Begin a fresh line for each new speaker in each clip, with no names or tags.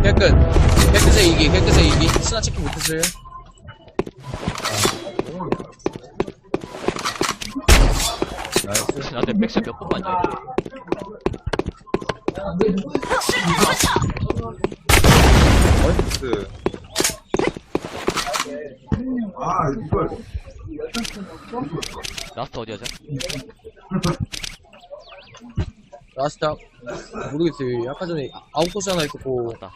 깨끗의 이기. 스나 체크 못했어요.
나한테 백샷 몇 번 맞냐?
나이스.
라스트 어디야자?
라스트 모르겠어요. 아까 전에 아웃코스 하나 있었고.
맞다.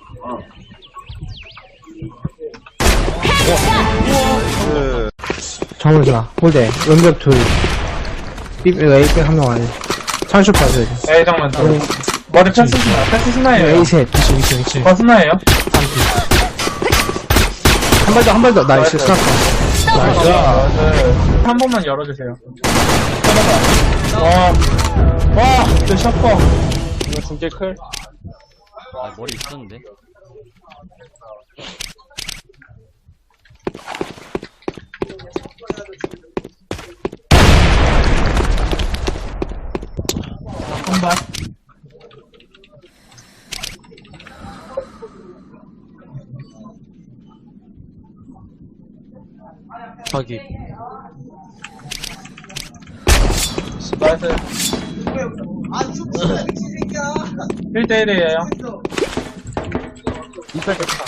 그,
정우자, 홀대, 연벽 둘. A 한명 아니. 찬슈 빠져야 돼.
에이 잠깐만 머리 패스 스나예요.
A 셋, 그치.
스나예요?
한 발 더, 나이스, 스나카. 나이스.
한 번만 열어주세요. 와, 진짜 셔퍼. 이거 진짜 클.
아, 머리 있었는데.
한 발.
저기.
나이스. 1대1이에요. 이빨 됐다.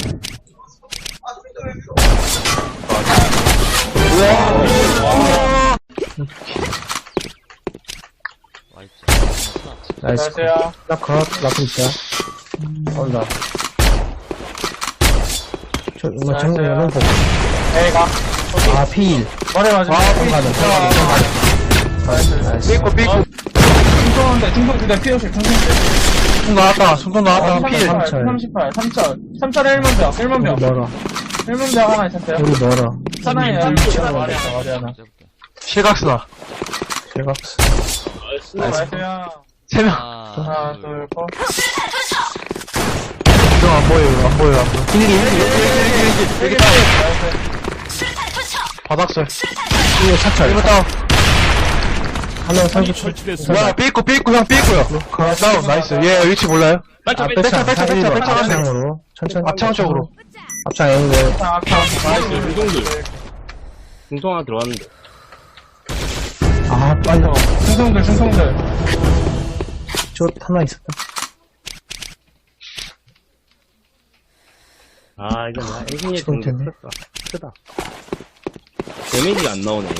나이스.
안녕하세요.
스나카, 라프 있다. 온다. 이거 정면 열는 거.
A가.
아, P1.
머리 맞으면.
나이스.
삐꾸. 중통인데, 그대 피오시,
손 나왔다, 손 나왔다. P1.
38. 3철에 1만 병.
우리 멀어.
1만 병 하나 있었어요.
우리 멀어.
사나이에요. 머리 하나.
실각스나. 실각스.
나이스요.
3명.
하나, 둘, 셋.
이거 안 보여.
여기
바닥설. 이거 차철. 이거 다운. 한명 살고
설치됐습니다.
삐있고 형 삐있고요. 다운, 나이스. 얘 위치 몰라요? 백창 앞창으로. 천천히. 앞창 쪽으로. 앞창 앵글.
중동들. 중동 하나 들어왔는데.
아, 빨리.
충성들.
저 하나 있었다.
아, 이거 나 애기에
좋을 텐데.
크다. 데미지가 안 나오네.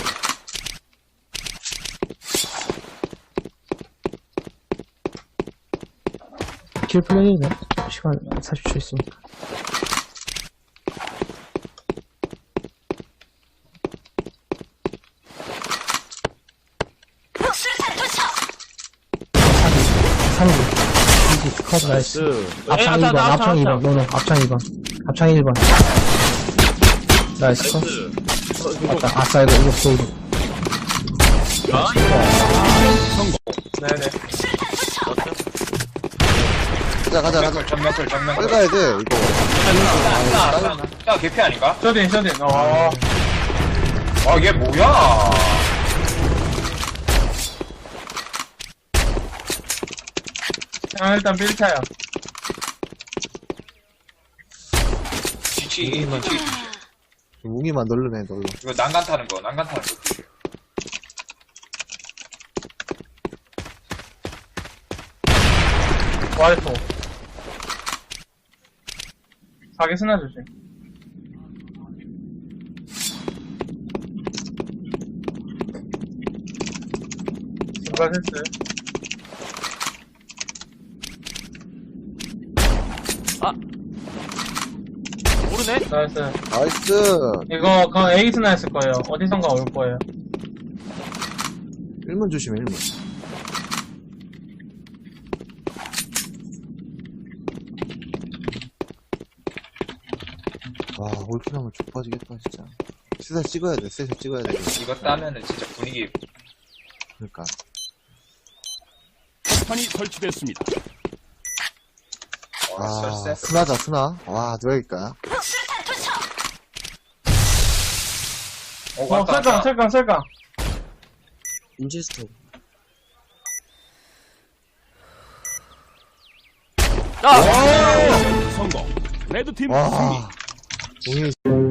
킬 플레이네. 시간 40초 있으니까. 컷 나이스. 앞창 2번, 앞창 2번, 노노, 앞창 2번. 앞창 1번. 나이스 컷. 맞다, 아싸, 이거 보이고.
네네.
가자.
전면클.
빨리 가야 돼, 이거.
야, 개피 아닌가?
쇼딘.
얘 뭐야?
일단 빌타요.
뒤치.
웅이만 널르네.
이거 난간 타는 거.
와이프. 사기 스나 조심. 증발했어요.
모르네?
나이스.
나이스.
이거, 에이스나 했을 거예요. 어디선가 올 거예요.
1문 조심해, 1문. 와, 올킬하면 족빠지겠다, 진짜. 셋을 찍어야 돼.
이거 따면은 진짜 분위기.
그러니까.
판이 설치됐습니다.
아, 스나. 와, 누가 이길까?
설강.
인지스토.
아!
성공. 레드팀 승리.
와. 공이